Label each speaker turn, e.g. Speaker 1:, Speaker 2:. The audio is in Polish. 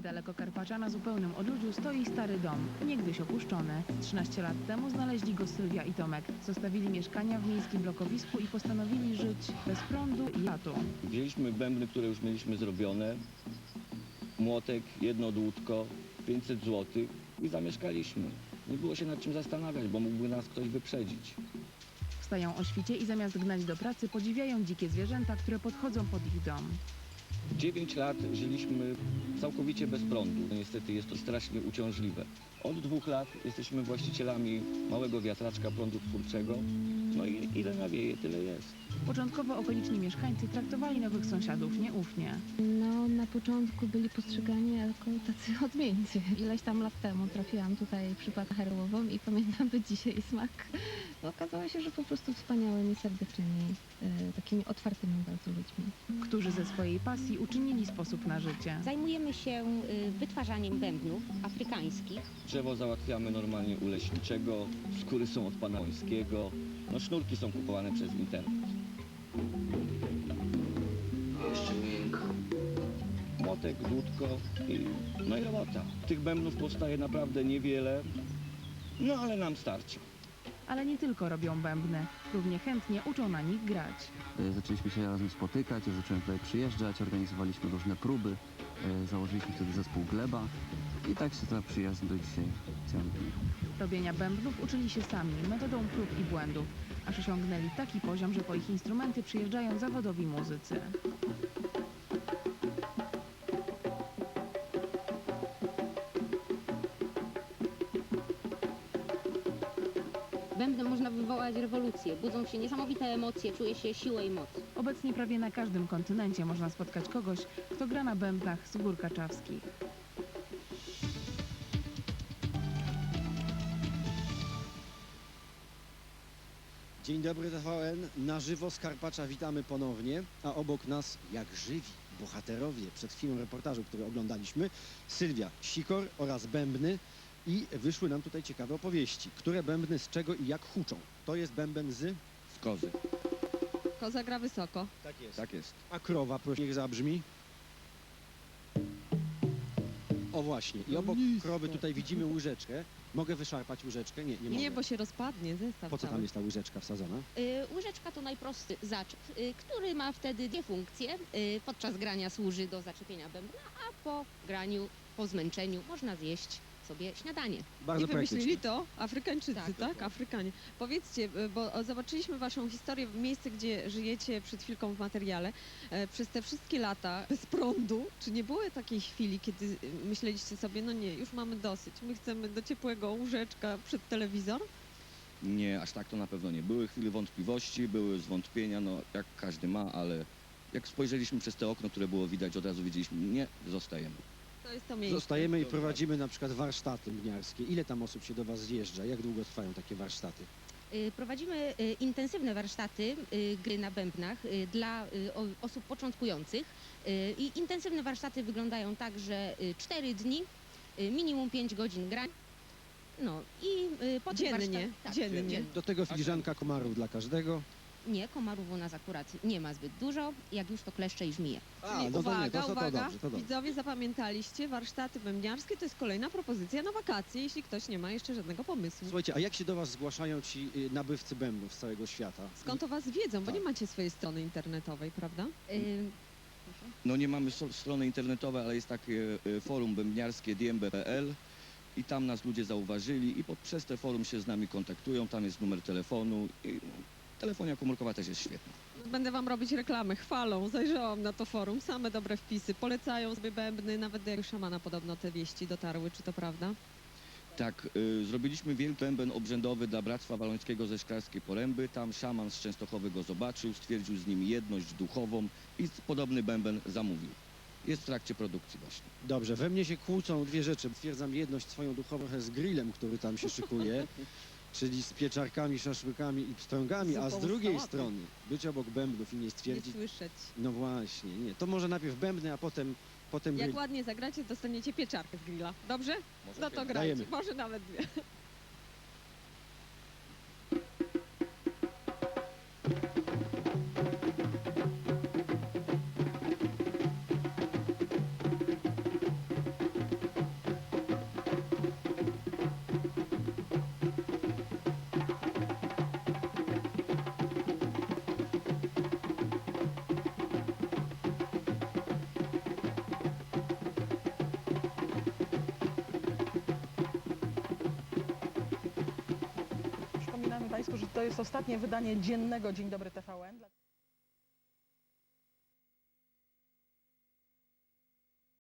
Speaker 1: Niedaleko Karpacza na zupełnym odludziu stoi stary dom, niegdyś opuszczony. 13 lat temu znaleźli go Sylwia i Tomek. Zostawili mieszkania w miejskim blokowisku i postanowili żyć bez prądu i latu.
Speaker 2: Wzięliśmy bębny, które już mieliśmy zrobione, młotek, jedno dłutko, 500 zł i zamieszkaliśmy. Nie było się nad czym zastanawiać, bo mógłby nas ktoś wyprzedzić.
Speaker 1: Wstają o świcie i zamiast gnać do pracy podziwiają dzikie zwierzęta, które podchodzą pod ich dom.
Speaker 2: 9 lat żyliśmy całkowicie bez prądu. Niestety jest to strasznie uciążliwe. Od 2 lat jesteśmy właścicielami małego wiatraczka prądu twórczego. No i ile nawieje, tyle jest.
Speaker 1: Początkowo okoliczni mieszkańcy traktowali nowych sąsiadów nieufnie.
Speaker 3: No, na początku byli postrzegani jako tacy odmieńcy. Ileś tam lat temu trafiłam tutaj przypadek herołową i pamiętam do dzisiaj smak. No, okazało się, że po prostu wspaniałymi, serdecznymi, takimi otwartymi bardzo ludźmi.
Speaker 1: Którzy ze swojej pasji uczynili sposób na życie.
Speaker 4: Zajmujemy się wytwarzaniem bębnów afrykańskich.
Speaker 2: Drzewo załatwiamy normalnie u leśniczego, skóry są od pana Łońskiego. No sznurki są kupowane przez internet.
Speaker 5: Jeszcze miękko.
Speaker 2: Młotek, dłutko no i robota. Tych bębnów powstaje naprawdę niewiele, no ale nam starczy.
Speaker 1: Ale nie tylko robią bębny, równie chętnie uczą na nich grać.
Speaker 6: Zaczęliśmy się razem spotykać, zacząłem tutaj przyjeżdżać, organizowaliśmy różne próby, założyliśmy wtedy zespół Gleba i tak się ta przyjaźń do dzisiaj ciągnie.
Speaker 1: Robienia bębnów uczyli się sami, metodą prób i błędów, aż osiągnęli taki poziom, że po ich instrumenty przyjeżdżają zawodowi muzycy.
Speaker 4: Bębnem można wywołać rewolucję. Budzą się niesamowite emocje, czuje się siłę i moc.
Speaker 1: Obecnie prawie na każdym kontynencie można spotkać kogoś, kto gra na bębnach z gór kaczawskich.
Speaker 7: Dzień dobry TVN, na żywo z Karpacza witamy ponownie, a obok nas jak żywi bohaterowie przed chwilą reportażu, który oglądaliśmy, Sylwia Sikor oraz bębny i wyszły nam tutaj ciekawe opowieści, które bębny z czego i jak huczą. To jest bęben z
Speaker 2: kozy.
Speaker 8: Koza gra wysoko.
Speaker 7: Tak jest.
Speaker 2: Tak jest.
Speaker 7: A krowa, proszę, niech zabrzmi. O właśnie, i obok krowy tutaj widzimy łyżeczkę. Mogę wyszarpać łyżeczkę? Nie mogę.
Speaker 8: Nie, bo się rozpadnie zestaw
Speaker 7: Po co tam
Speaker 8: cały.
Speaker 7: jest ta łyżeczka wsadzona?
Speaker 4: Łyżeczka to najprostszy zaczep, który ma wtedy dwie funkcje. Podczas grania służy do zaczepienia bębna, a po graniu, po zmęczeniu można zjeść sobie śniadanie.
Speaker 7: Bardzo
Speaker 8: I wymyślili
Speaker 7: praktyczne.
Speaker 8: to Afrykańczycy,
Speaker 4: Tak,
Speaker 8: tak?
Speaker 4: dokładnie.
Speaker 8: Afrykanie. Powiedzcie, bo zobaczyliśmy waszą historię, miejsce, gdzie żyjecie przed chwilką w materiale. Przez te wszystkie lata bez prądu, czy nie było takiej chwili, kiedy myśleliście sobie, no nie, już mamy dosyć, my chcemy do ciepłego łóżeczka przed telewizor?
Speaker 2: Nie, aż tak to na pewno nie. Były chwile wątpliwości, były zwątpienia, no jak każdy ma, ale jak spojrzeliśmy przez te okno, które było widać, od razu wiedzieliśmy, nie, zostajemy.
Speaker 8: To jest to miejsce.
Speaker 7: Zostajemy i prowadzimy na przykład warsztaty mniarskie. Ile tam osób się do was zjeżdża? Jak długo trwają takie warsztaty?
Speaker 4: Prowadzimy intensywne warsztaty gry na bębnach dla osób początkujących. I intensywne warsztaty wyglądają tak, że 4 dni, minimum 5 godzin grań. No i po tych
Speaker 8: Dziennie,
Speaker 4: warsztatach- tak,
Speaker 8: dziennie.
Speaker 7: Do tego filiżanka komarów dla każdego.
Speaker 4: Nie, komarów u nas akurat nie ma zbyt dużo, jak już to kleszcze i żmije.
Speaker 7: A,
Speaker 8: Czyli
Speaker 7: no to nie, to
Speaker 8: uwaga,
Speaker 7: dobrze, to dobrze.
Speaker 8: widzowie zapamiętaliście, warsztaty bębniarskie to jest kolejna propozycja na wakacje, jeśli ktoś nie ma jeszcze żadnego pomysłu.
Speaker 7: Słuchajcie, a jak się do was zgłaszają ci nabywcy bębnów z całego świata?
Speaker 8: Skąd o was wiedzą, bo
Speaker 7: Tak.
Speaker 8: nie macie swojej strony internetowej, prawda?
Speaker 2: No nie mamy strony internetowej, ale jest takie forum bębniarskie dmb.pl i tam nas ludzie zauważyli i przez te forum się z nami kontaktują, tam jest numer telefonu i telefonia komórkowa też jest świetna.
Speaker 8: Będę wam robić reklamę, chwalą, zajrzałam na to forum, same dobre wpisy, polecają sobie bębny, nawet do szamana podobno te wieści dotarły, czy to prawda?
Speaker 2: Tak, zrobiliśmy wielki bęben obrzędowy dla Bractwa Walońskiego ze Szklarskiej Poręby. Tam szaman z Częstochowy go zobaczył, stwierdził z nim jedność duchową i podobny bęben zamówił. Jest w trakcie produkcji właśnie.
Speaker 7: Dobrze, we mnie się kłócą dwie rzeczy. Stwierdzam jedność swoją duchową z grillem, który tam się szykuje, czyli z pieczarkami, szaszłykami i pstrągami, a z
Speaker 8: Zupą z
Speaker 7: drugiej
Speaker 8: sałatą.
Speaker 7: strony być obok bębnów i nie
Speaker 8: Nie
Speaker 7: stwierdzić...
Speaker 8: słyszeć.
Speaker 7: No właśnie, nie. To może najpierw bębny, a potem
Speaker 8: Jak
Speaker 7: grill.
Speaker 8: ładnie zagracie, dostaniecie pieczarkę z grilla. Dobrze? No to grajcie,
Speaker 7: Dajemy.
Speaker 8: może nawet dwie.
Speaker 9: Państwu, że to jest ostatnie wydanie dziennego Dzień Dobry TVN.